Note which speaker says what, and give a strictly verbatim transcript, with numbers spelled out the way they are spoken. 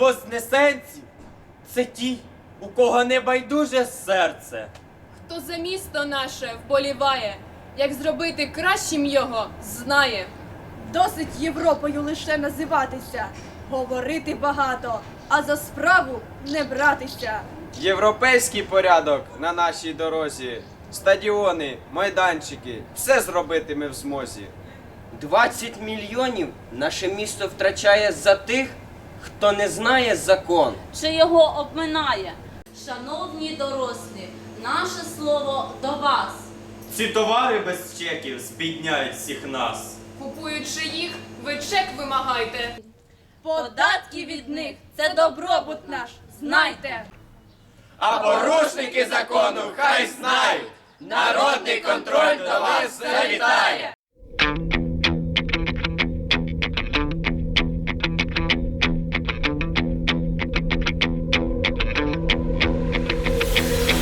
Speaker 1: вознесенці – це ті, у кого не байдуже серце.
Speaker 2: Хто за місто наше вболіває, як зробити кращим його, знає.
Speaker 3: Досить Європою лише називатися, говорити багато, а за справу не братися.
Speaker 4: Європейський порядок на нашій дорозі, стадіони, майданчики, все зробити ми в змозі.
Speaker 5: двадцять мільйонів наше місто втрачає за тих, хто не знає закон.
Speaker 6: Чи його обминає? Шановні дорослі, наше слово до вас.
Speaker 1: Ці товари без чеків збідняють всіх нас.
Speaker 2: Купуючи їх, ви чек вимагайте.
Speaker 3: Податки від них – це добробут наш, знайте.
Speaker 1: А порушники закону хай знають, народний контроль до вас завітає.